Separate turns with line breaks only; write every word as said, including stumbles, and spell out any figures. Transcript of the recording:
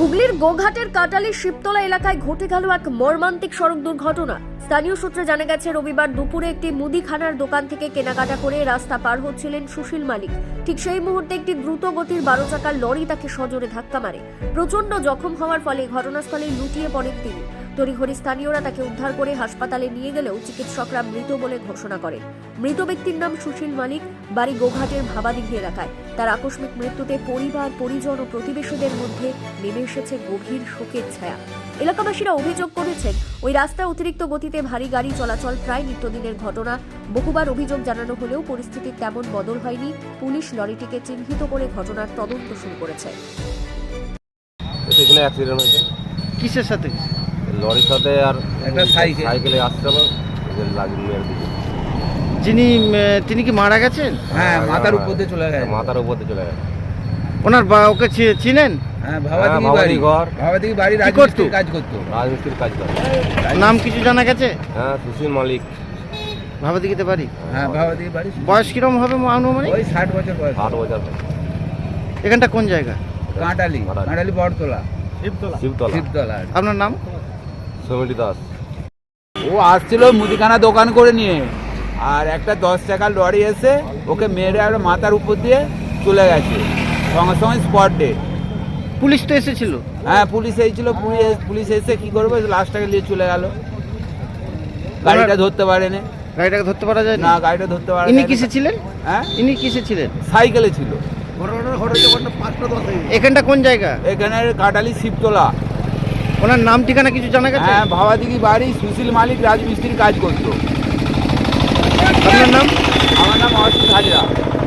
হুগলির গোঘাটের কাটালি শিবতলা এলাকায় ঘটে গেল এক মর্মান্তিক সড়ক দুর্ঘটনা। স্থানীয় সূত্রে জানা গেছে, রবিবার দুপুরে একটি মুদিখানার দোকান থেকে কেনাকাটা করে রাস্তা পার হচ্ছিলেন সুশীল মালিক। ঠিক সেই মুহূর্তে একটি দ্রুত গতির বারো চাকার লরি তাকে সজোরে ধাক্কা মারে। প্রচন্ড জখম হওয়ার ফলে ঘটনাস্থলে লুটিয়ে পড়েন তিনি। তড়িঘড়ি স্থানীয়রা তাকে উদ্ধার করে হাসপাতালে নিয়ে গেলেও চিকিৎসকরা মৃত বলে ঘোষণা করেন। মৃত ব্যক্তির নাম সুশীল মালিক, বাড়ি গোঘাটের ভাবাদিঘি এলাকায়। তার আকস্মিক মৃত্যুতে পরিবার, পরিজন ও প্রতিবেশীদের মধ্যে নেমে এসেছে গভীর শোকের ছায়া। এলাকাবাসীরা অভিযোগ করেছেন, ওই রাস্তায় অতিরিক্ত গতিতে ভারী গাড়ি চলাচল প্রায় নিত্যদিনের ঘটনা। বহুবার অভিযোগ জানানো হলেও পরিস্থিতির তেমন বদল হয়নি। পুলিশ লরিটিকে চিহ্নিত করে ঘটনার তদন্ত শুরু করেছে।
এখানে অ্যাক্সিডেন্ট হয়েছে।
কিসের সাথে?
লরির সাথে আর
একটা সাইকেল
সাইকেলে আসতে হবে লাগিয়ে মেরে দিয়েছে।
যিনি আহ, তিনি কি মারা গেছেন?
হ্যাঁ, মাথার উপর দিয়ে চলে গেছে।
মাথার উপর দিয়ে চলে গেছে।
ওনার বা ওকে চি- চিনেন?
হ্যাঁ,
হ্যাঁ,
ভাবাদিঘি
ভাবাদিঘি
বাড়ি
ঘর।
ভাবাদিঘি বাড়ি
কি
রাজমিস্ত্রির
করতো?
কাজ করতো।
রাজমিস্ত্রির কাজ করে।
নাম কিছু জানা গেছে?
হ্যাঁ, সুশীল মালিক।
ভাবাদিঘিতে বাড়ি।
হ্যাঁ, ভাবাদিঘি বাড়ি।
বয়স কিরম হবে আনুমানিক?
ওই ষাট বছর বয়স।
আট বছর
এখানটা কোন জায়গা?
কাঁটালি
কাঁটালি।
কাঁটালি বড়তলা
শিবতলা
শিবতলা।
আপনার নাম?
সমিতি দাস।
ও আসছিল মুদিখানা দোকান করে নিয়ে, আর একটা দশ টাকার লরি এসে ওকে মেরে আর মাথার উপর দিয়ে চলে গেছে, সঙ্গে সঙ্গে স্পট ডেড।
পুলিশ তো এসেছিল।
হ্যাঁ, পুলিশ এসেছিল। পুলিশ পুলিশ এসে কি করবে, লাশটাকে নিয়ে চলে গেল। গাড়িটা ধরতে পারেনি।
গাড়িটাকে ধরতে পারা যায়
না,
না?
গাড়িটা ধরতে পারে
ইনি কিসে ছিলেন?
হ্যাঁ,
ইনি কিসে ছিলেন?
সাইকেলে ছিল।
এখানটা কোন জায়গা?
এখানে কাটালি শিবতলা।
ওনার নাম ঠিকানা কিছু জানা গেছে?
হ্যাঁ, ভাবাদিঘি বাড়ি, সুশীল মালিক, রাজমিস্ত্রির কাজ করতো।
আপনার নাম?
আমার নাম অসিত হাজরা।